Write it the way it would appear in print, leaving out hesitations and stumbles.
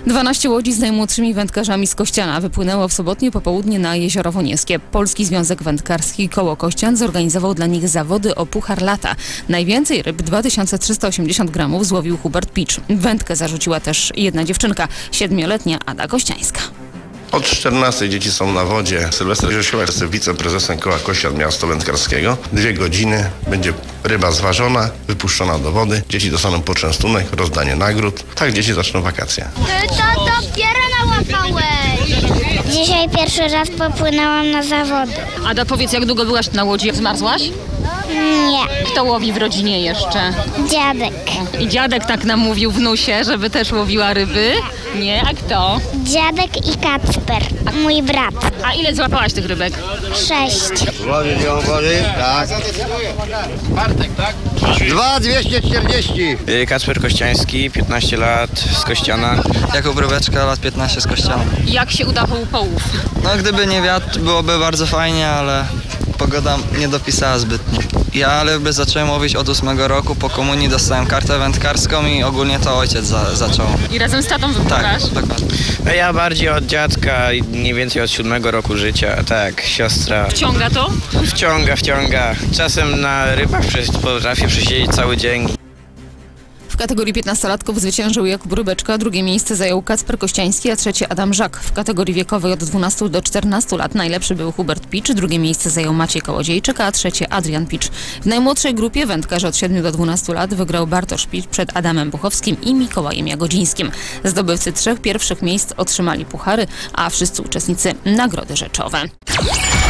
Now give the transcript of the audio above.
12 łodzi z najmłodszymi wędkarzami z Kościana wypłynęło w sobotnie popołudnie na Jezioro Wonieskie. Polski Związek Wędkarski Koło Kościan zorganizował dla nich zawody o Puchar Lata. Najwięcej ryb, 2380 gramów, złowił Hubert Picz. Wędkę zarzuciła też jedna dziewczynka, 7-letnia Ada Kościańska. Od 14 dzieci są na wodzie. Sylwester Grzesiła jest wiceprezesem Koła Kościan Miasta Wędkarskiego. 2 godziny będzie ryba zważona, wypuszczona do wody. Dzieci dostaną poczęstunek, rozdanie nagród. Tak dzieci zaczną wakacje. Ty to dopiero nałapałeś! Dzisiaj pierwszy raz popłynęłam na zawody. Ada, powiedz, jak długo byłaś na łodzi? Zmarzłaś? Nie, Kto łowi w rodzinie jeszcze? dziadek. I dziadek tak nam mówił wnusie, żeby też łowiła ryby? Nie, a kto? Dziadek i Kacper, mój brat. A ile złapałaś tych rybek? 6. Wody, tak. 2,240. Kacper Kościański, 15 lat, z Kościana. Jakub Rybeczka, lat 15 z Kościana. Jak się udawał połów? No gdyby nie wiatr, byłoby bardzo fajnie, ale pogoda nie dopisała zbytnio. Ja ryby zacząłem łowić od 8 roku, po komunii dostałem kartę wędkarską i ogólnie to ojciec zaczął. I razem z tatą wypływasz? Tak, dokładnie. Ja bardziej od dziadka, mniej więcej od 7 roku życia, tak, siostra. Wciąga to? Wciąga. Czasem na rybach potrafię przesiedzieć cały dzień. W kategorii 15-latków zwyciężył Jakub Rybeczka, drugie miejsce zajął Kacper Kościański, a trzecie Adam Żak. W kategorii wiekowej od 12 do 14 lat najlepszy był Hubert Picz, drugie miejsce zajął Maciej Kołodziejczyk, a trzecie Adrian Picz. W najmłodszej grupie wędkarzy od 7 do 12 lat wygrał Bartosz Picz przed Adamem Buchowskim i Mikołajem Jagodzińskim. Zdobywcy 3 pierwszych miejsc otrzymali puchary, a wszyscy uczestnicy nagrody rzeczowe.